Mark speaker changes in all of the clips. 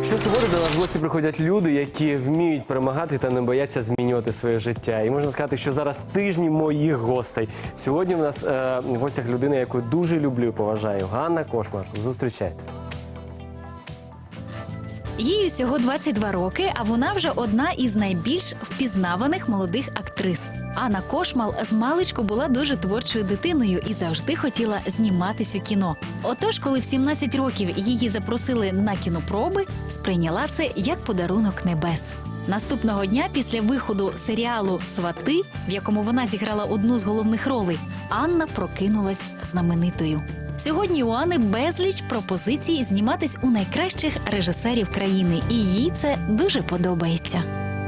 Speaker 1: Щосуботи до нас в гості приходять люди, які вміють перемагати та не бояться змінювати своє життя. І можна сказати, що зараз тижні моїх гостей. Сьогодні в нас в гостях людина, яку дуже люблю і поважаю. Ганна Кошмар. Зустрічайте.
Speaker 2: Їй всього 22 роки, а вона вже одна із найбільш впізнаваних молодих актрис. Анна Кошмал змалечку була дуже творчою дитиною і завжди хотіла зніматись у кіно. Отож, коли в 17 років її запросили на кінопроби, сприйняла це як подарунок небес. Наступного дня після виходу серіалу «Свати», в якому вона зіграла одну з головних ролей, Анна прокинулась знаменитою. Сьогодні у Анни безліч пропозицій зніматись у найкращих режисерів країни, і їй це дуже подобається.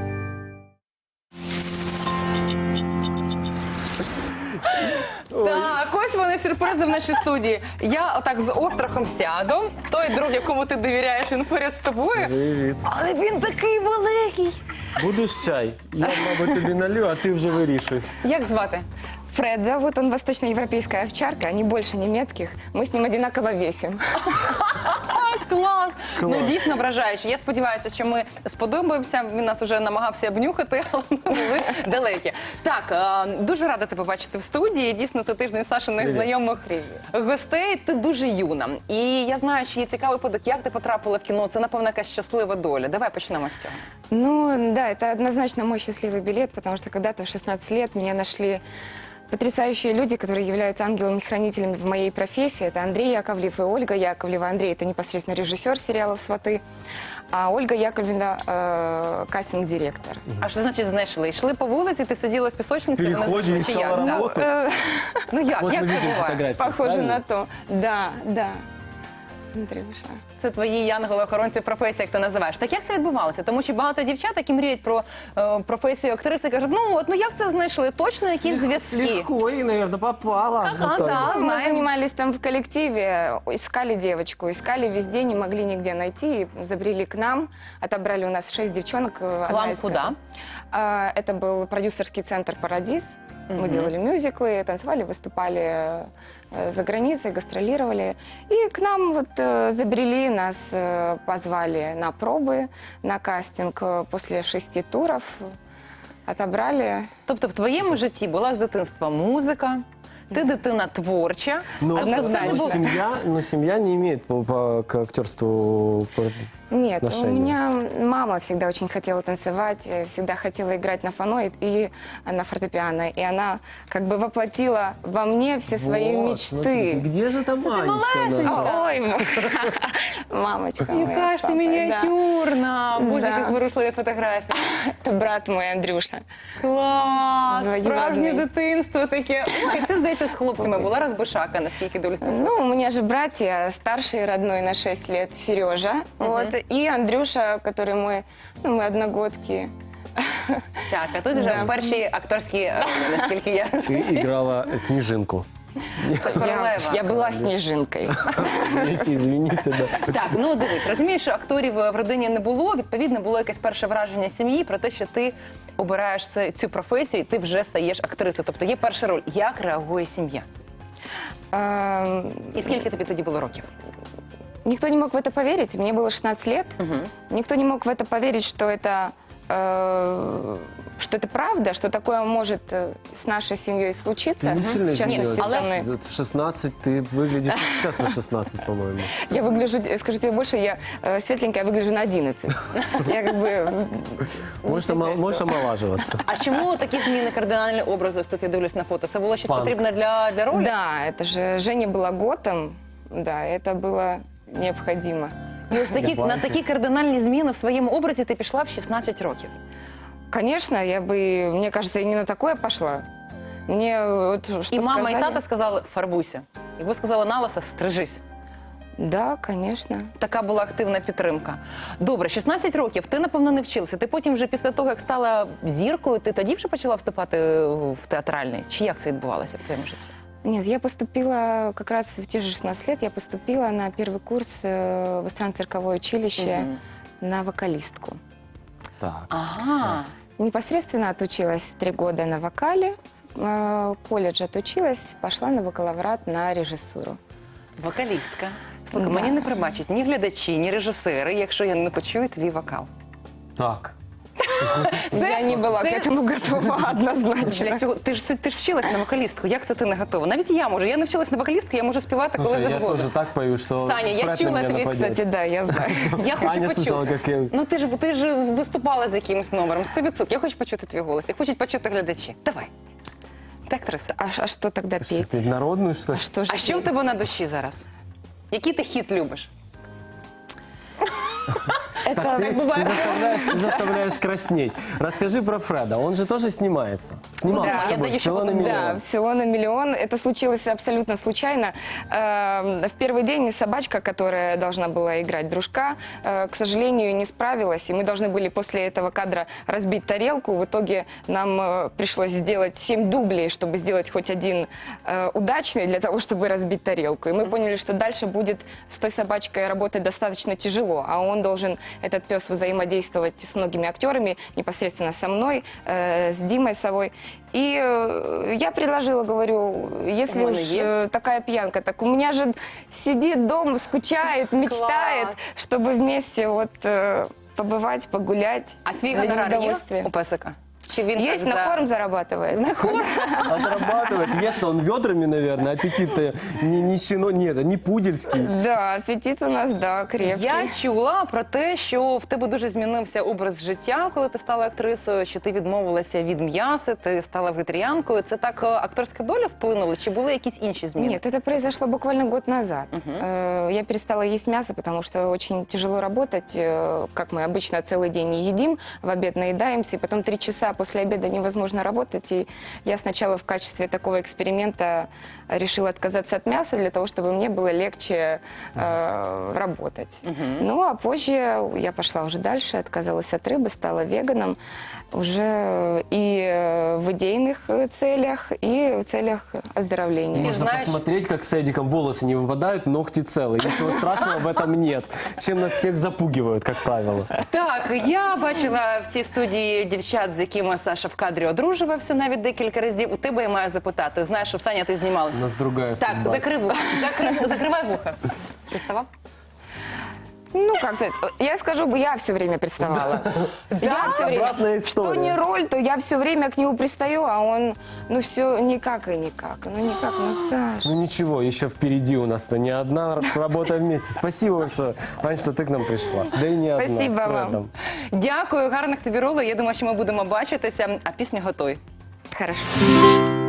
Speaker 3: Так, ось вони сюрпризи в нашій студії. Я отак з острахом сяду. Той друг, якому ти довіряєш, він поряд з тобою.
Speaker 1: Привіт.
Speaker 3: Але він такий великий.
Speaker 1: Будеш чай? Я, мабуть, тобі налю, а ти вже вирішуй.
Speaker 3: Як звати?
Speaker 4: Фред зовут, он восточноевропейская овчарка, не больше немецких. Мы с ним одинаково весим.
Speaker 3: Клас! Ну, дійсно вражаюче. Я сподіваюся, що ми сподобаємося. Він нас вже намагався обнюхати, але ми були далекі. Так, дуже рада тебе бачити в студії. Дійсно, це тиждень Сашиних знайомих гостей. Ти дуже юна. І я знаю, що є цікавий випадок, як ти потрапила в кіно. Це, напевно, якась щаслива доля. Давай почнемо з цього.
Speaker 4: Ну, да, это однозначно мой счастливый билет, потому что когда-то в 16 лет меня нашли потрясающие люди, которые являются ангелами-хранителями в моей профессии. Это Андрей Яковлев и Ольга Яковлева. Андрей – это непосредственно режиссер сериалов «Сваты», а Ольга Яковлевна кастинг-директор.
Speaker 3: А що значить знайшли? Йшли по вулиці, ти сиділа в пісочниці, вони
Speaker 1: Переході
Speaker 3: знайшли, чи
Speaker 1: искала
Speaker 3: як?
Speaker 1: работу.
Speaker 3: Ну як?
Speaker 1: Вот
Speaker 3: Як
Speaker 1: мы
Speaker 3: це
Speaker 1: видим
Speaker 3: буває?
Speaker 1: фотографии.
Speaker 4: Похоже
Speaker 1: правильно?
Speaker 4: на то. Да, да. Андрюша.
Speaker 3: Це твої янголи-охоронці професії, як ти називаєш. Так як це відбувалося? Тому що багато дівчат, які мріють про професію актриси, кажуть, ну як це знайшли? Точно якісь зв'язки?
Speaker 1: Легко, и, наверное, попала.
Speaker 3: Ага,
Speaker 1: Вот так
Speaker 3: да.
Speaker 1: вот.
Speaker 4: Мы
Speaker 3: Знаем.
Speaker 4: занимались там в коллективе, искали девочку, искали везде, не могли нигде найти, и забрели к нам, отобрали у нас 6 девчонок.
Speaker 3: К вам куда?
Speaker 4: Это был продюсерский центр «Парадис». Мы делали мюзиклы, танцевали, выступали за границей, гастролировали. И к нам вот забрели, нас позвали на пробы, на кастинг после 6 туров. Отобрали.
Speaker 3: Тобто в твоєму житті була з дитинства музика, ти дитина творча,
Speaker 1: Но,
Speaker 4: Однозначно.
Speaker 1: семья не имеет к актерству
Speaker 4: Нет, у
Speaker 1: отношения.
Speaker 4: меня мама всегда очень хотела танцевать, всегда хотела играть на фано и на фортепиано. И она как бы воплотила во мне все свои
Speaker 1: Вот,
Speaker 4: мечты.
Speaker 1: смотрите, где же там Анечка
Speaker 3: малесенька.
Speaker 1: наша?
Speaker 4: Ой, мамочка моя.
Speaker 3: яка
Speaker 4: с
Speaker 3: ж ти
Speaker 4: папой,
Speaker 3: мініатюрна, боже,
Speaker 4: Да.
Speaker 3: які зворушливі фотографії.
Speaker 4: да. Это брат мой, Андрюша.
Speaker 3: Клас,
Speaker 4: Двоюродний.
Speaker 3: справжнє дитинство таке. Ой, ти, здається, з хлопцями була розбишака, наскільки дивлюсь.
Speaker 4: Ну, у меня же братья, старший родной на 6 лет Сережа, вот, и Андрюша, который мой, ну, мы одногодки.
Speaker 3: Так, а тут вже перші акторські ролі, наскільки я
Speaker 1: Ты
Speaker 3: розумію.
Speaker 1: играла Снежинку.
Speaker 3: Це королева.
Speaker 4: Я была снежинкой.
Speaker 1: Извините, да.
Speaker 3: Так, ну дивись, розумієш, що акторів в родині не було, відповідно, було якесь перше враження сім'ї про те, що ти обираєш цю професію і ти вже стаєш актрисою. Тобто є перша роль. Як реагує сім'я? І скільки тобі тоді було років?
Speaker 4: Никто не мог в это поверить. Мне было 16 лет. Никто не мог в это поверить, что это правда, что такое может с нашей семьей случиться.
Speaker 1: Ты не сильно
Speaker 4: В частности,
Speaker 1: изменилась.
Speaker 4: со мной.
Speaker 1: 16, ты выглядишь сейчас на 16, по-моему.
Speaker 4: Я выгляжу, скажу тебе больше, я светленькая, выгляжу на 11. Я как бы...
Speaker 1: Можешь омолаживаться.
Speaker 3: А чому такі зміни кардинальні образи? Ось тут я дивлюсь на фото. Це було щось
Speaker 1: Панк.
Speaker 3: потрібне для ролі?
Speaker 4: Да, это же Женя была готом. Да, это было необходимо.
Speaker 3: І ось на такі кардинальні зміни в своєму образі ти пішла в 16 років.
Speaker 4: Конечно, я бы, мне кажется, и не на такое пошла. Мне вот что
Speaker 3: І мама, і
Speaker 4: сказали-
Speaker 3: тата сказали «фарбуйся». Якби сказала на лоса «стрижись».
Speaker 4: Да, конечно.
Speaker 3: Така була активна підтримка. Добре, 16 років, ти, напевно, не вчилася. Ти потім вже після того, як стала зіркою, ти тоді вже почала вступати в театральний? Чи як це відбувалося в твоєму житті?
Speaker 4: Нет, я поступила как раз в те же 16 лет, я поступила на первый курс в иностранно-цирковое училище на вокалистку.
Speaker 1: Так.
Speaker 3: Ага.
Speaker 4: Непосредственно отучилась 3 года на вокале, колледж отучилась, пошла на бакалаврат на режиссуру.
Speaker 3: Вокалістка. Слухай,
Speaker 4: Да.
Speaker 3: мені не пробачать ні глядачі, ні режисери, якщо я не почую твій вокал.
Speaker 1: Так.
Speaker 4: Я не была к
Speaker 3: це-
Speaker 4: этому готова однозначно.
Speaker 3: Для цього ти ж вчилась на вокалістку. Як це ти не готова? Навіть я можу. Я не вчилась на вокалістку, я можу співати коли
Speaker 1: Слушай, я
Speaker 3: завгодно.
Speaker 1: тоже так пою, что
Speaker 3: Саня, я
Speaker 1: Фред на
Speaker 3: чула
Speaker 1: меня
Speaker 3: твій,
Speaker 1: нападет.
Speaker 4: Кстати, да, я знаю.
Speaker 3: Я хочу
Speaker 1: Аня слышала,
Speaker 3: почути.
Speaker 1: как я...
Speaker 3: Ну ти ж виступала з якимось номером, 100%. Я хочу почути твій голос, я хочу почути глядачі. Давай. Ти актриса.
Speaker 4: А что тогда
Speaker 1: Что,
Speaker 4: петь?
Speaker 1: ты народную, что
Speaker 4: А
Speaker 1: ли?
Speaker 4: что же
Speaker 3: А що в
Speaker 4: петь?
Speaker 3: тебе на душі зараз? Який ти хіт любиш?
Speaker 4: Это
Speaker 3: Так буває.
Speaker 1: Ты заставляешь краснеть. Расскажи про Фреда. Он же тоже снимается. Снимался
Speaker 3: Да,
Speaker 1: с
Speaker 3: я
Speaker 1: тобой
Speaker 3: даю
Speaker 1: в «Село на
Speaker 3: еще
Speaker 1: миллион».
Speaker 4: Да, в «Село на миллион». Это случилось абсолютно случайно. В первый день собачка, которая должна была играть дружка, к сожалению, не справилась. И мы должны были после этого кадра разбить тарелку. В итоге нам пришлось сделать 7 дублей, чтобы сделать хоть один удачный для того, чтобы разбить тарелку. И мы поняли, что дальше будет с той собачкой работать достаточно тяжело. А он должен, этот пес, взаимодействовать с многими актерами, непосредственно со мной, с Димой Совой. И я предложила, говорю, если
Speaker 3: Вон
Speaker 4: уж
Speaker 3: и е.
Speaker 4: такая пьянка, так у меня же сидит дома, скучает, мечтает, чтобы вместе вот побывать, погулять.
Speaker 3: А свій
Speaker 4: для
Speaker 3: гонорар є
Speaker 4: удовольствия.
Speaker 3: у песика? Чи він
Speaker 4: Есть,
Speaker 3: так
Speaker 4: на корм зарабатывает.
Speaker 1: Отрабатывает. Ест он ведрами, наверное. Аппетит-то не щено, нет, не пудельский.
Speaker 4: Да, аппетит у нас, да, крепкий.
Speaker 3: Я чула про те, що в тебе дуже змінився образ життя, коли ти стала актрисою, що ти відмовилася від м'яса, ти стала вегетаріанкою. Це так акторська доля вплинула, чи були якісь інші зміни?
Speaker 4: Нет, это произошло буквально год назад. Я перестала есть мясо, потому что очень тяжело работать. Как мы обычно целый день не едим, в обед наедаемся, и потом 3 часа после обеда невозможно работать. И я сначала в качестве такого эксперимента решила отказаться от мяса для того, чтобы мне было легче работать. Ну, а позже я пошла уже дальше, отказалась от рыбы, стала веганом уже и в идейных целях, и в целях оздоровления.
Speaker 1: Можно
Speaker 3: знаешь-
Speaker 1: посмотреть, как с Эдиком волосы не выпадают, ногти целые. Ничего страшного в этом нет. Чем нас всех запугивают, как правило.
Speaker 3: Так, я бачила в цій студії дівчат, з якими Саша в кадрі одружувався навіть декілька разів. У тебе я маю запитати. Знаєш, що, Саня, ти
Speaker 1: У
Speaker 3: знімалася?
Speaker 1: нас другая
Speaker 3: Так,
Speaker 1: судьба.
Speaker 3: закрий вуха. Закривай вуха. Приставав?
Speaker 4: Ну, как сказать, я скажу, я все время приставала. Я все время.
Speaker 1: Обратная
Speaker 4: Что
Speaker 1: история.
Speaker 4: не роль, то я все время к нему пристаю, а он, ну, все никак и никак. Ну, никак, ну, Саш.
Speaker 1: Ну ничего, еще впереди у нас-то не одна работа вместе. Спасибо большое, Ань, что ты к нам пришла. Да и не одна,
Speaker 4: Спасибо
Speaker 1: с
Speaker 4: вам.
Speaker 1: Фредом.
Speaker 3: Дякую, гарних тобі ролей. Я думаю, що ми будемо бачитися, а пісня готуй.
Speaker 4: Хорошо.